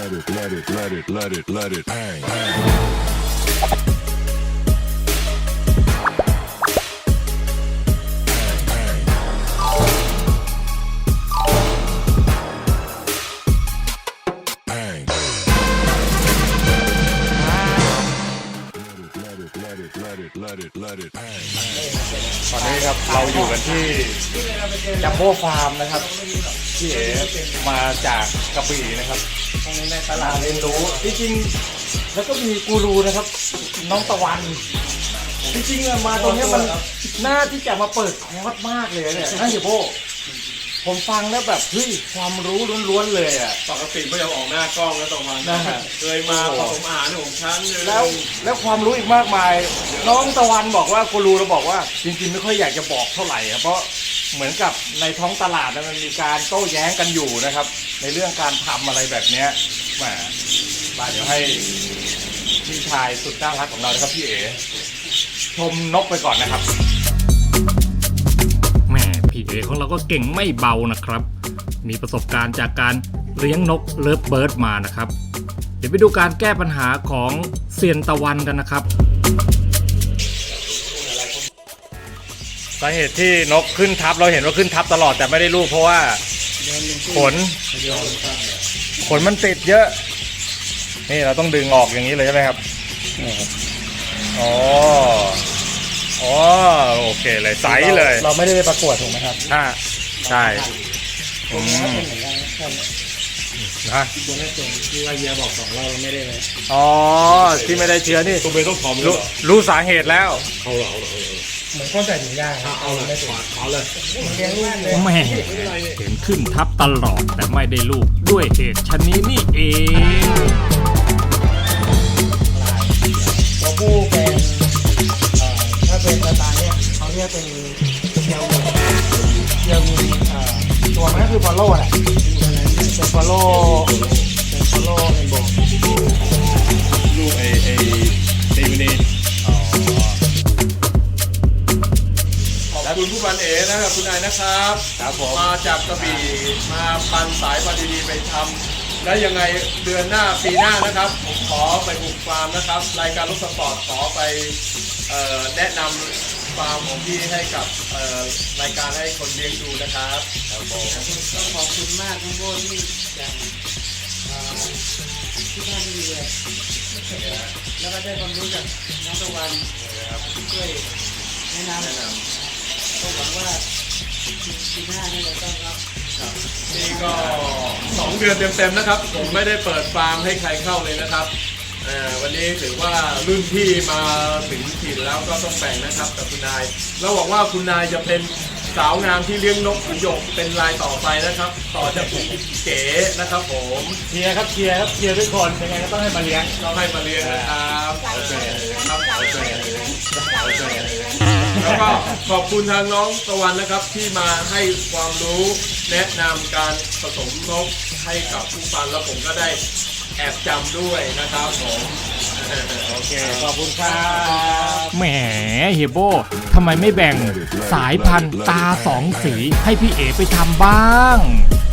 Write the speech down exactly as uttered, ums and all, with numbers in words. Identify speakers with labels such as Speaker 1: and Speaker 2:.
Speaker 1: let it, let it, let it, let it, let it hang.
Speaker 2: ตอนนี้ครับเราอยู่กันที่จัมโบ้ฟาร์มนะครับพี่เอ๋มาจากกระบี่นะครับในตลาดเรียนรู้จริงๆแล้วก็มีกูรูนะครับน้องตะวันจริงๆมาตรงนี้มันน่าที่จะมาเปิดคอร์สมากเลยเนี่ยนะเฮียโบผมฟังแล้วแบบเฮ้ยความรู้ล้วนๆเลยอ่ะ
Speaker 3: ปกติไม่ยอมออกหน้ากล้องแล้วตรงนั้นนะฮะเคยมาผสมอาหารของฉันเลย
Speaker 2: แล้วแล้วความรู้อีกมากมายน้องตะวันบอกว่ากูรูเราบอกว่าจริงๆไม่ค่อยอยากจะบอกเท่าไหร่เพราะเหมือนกับในท้องตลาดมันมีการโต้แย้งกันอยู่นะครับในเรื่องการทำอะไรแบบเนี้ยแหมมาเดี๋ยวให้พี่ชายสุดน่ารักของเรานะครับพี่เอ๋ชมนกไปก่อนนะครับแหมพี่เอ๋ของเราก็เก่งไม่เบานะครับมีประสบการณ์จากการเลี้ยงนกเลิฟเบิร์ดมานะครับเดี๋ยวไปดูการแก้ปัญหาของเซียนตะวันกันนะครับสาเหตุที่นกขึ้นทับเราเห็นว่าขึ้นทับตลอดแต่ไม่ได้ลูกเพราะว่าขนขนมันติดเยอะนี่เราต้องดึงออกอย่างนี้เลยใช่ไหมครับอ๋ออ๋อโอเคเลยใสเลย
Speaker 4: เราไม่ได้ไปประกวดถูกไหมครับ
Speaker 2: อ่าใช่
Speaker 4: ตรงนี้ก็เป็นเหมือนกัน
Speaker 2: นะ
Speaker 4: ตัวแรกตรงที่ว่าเยียบอกสองเราเราไม่ได้เลย
Speaker 2: อ๋อที่ไม่ได้เชื้อนี่
Speaker 3: ตัวเป็นต้องทอมรู้
Speaker 2: รู้สาเหตุแล้ว
Speaker 3: เอาเหรอเอาเหรอ
Speaker 4: เหมือนก้อนใส่ถุงยาง
Speaker 3: เอาเลยเอาเลย
Speaker 4: เลี้ยงลูกเลย
Speaker 2: แม่เห็นขึ้นทับตลอดแต่ไม่ได้ลูกด้วยเหตุชนิดนี้เอง
Speaker 4: ตัวผู้เป็นถ้าเป็นสไตล์เนี่ยเขาเรียกเป็นเชียวเชียวมีตัวมันก็คือฟอลโล่แหละเป็นฟอลโล่เป็นฟอลโล่ในโบว์
Speaker 3: ลูกไอไอเซมินีขอบคุณผู้พันเอ๋นะครับคุณนายนะครับ
Speaker 2: ครับผม
Speaker 3: มาจากกระบี่มาปันสายพันธุ์ดีๆไปทำและยังไงเดือนหน้าปีหน้านะครับผมขอไปบุกฟาร์มนะครับรายการรถสปอร์ตขอไปแนะนำฟาร์มของพี่ให้กับรายการให้คนเลี้ยงดูนะครับครับผม
Speaker 4: ก็ขอบคุณมากทั้งโบที่อย่างที่ท่านดีเลยแล้วก็ได้ความรู้จากน้องตะวันช่วยแนะนำก็หวังว่าปีหน้านี่เราต้องรับ
Speaker 3: นี่ก็สองเดือนเต็มๆนะครับผมไม่ได้เปิดฟาร์มให้ใครเข้าเลยนะครับวันนี้ถือว่ารุ่นพี่มาถึงถิ่นแล้วก็ต้องแบ่งนะครับกับคุณนายแล้วหวังว่าคุณนายจะเป็นสาวงามที่เลี้ยงนกขุนหยกเป็นรายต่อไปนะครับต่อจากผมเก๋นะครับผม
Speaker 2: เชียร์ครับเชียร์ครับเชียร์ทุกคนยังไงก็ต้องให้มาเลี้ยง
Speaker 3: ต้องให้มาเลี้ยงนะครับโอเคครับโอเคโอเคแล้วก็ขอบคุณทางน้องตะวันนะครับที่มาให้ความรู้แนะนำการผสมนกให้กับผู้ฟังแล้วผมก็ได้แอบจำด้วยนะครับผม
Speaker 2: โอเคขอบคุณครับแหมเฮียโบทำไมไม่แบ่งสายพันธุ์ตาสองสีให้พี่เอ๋ไปทำบ้าง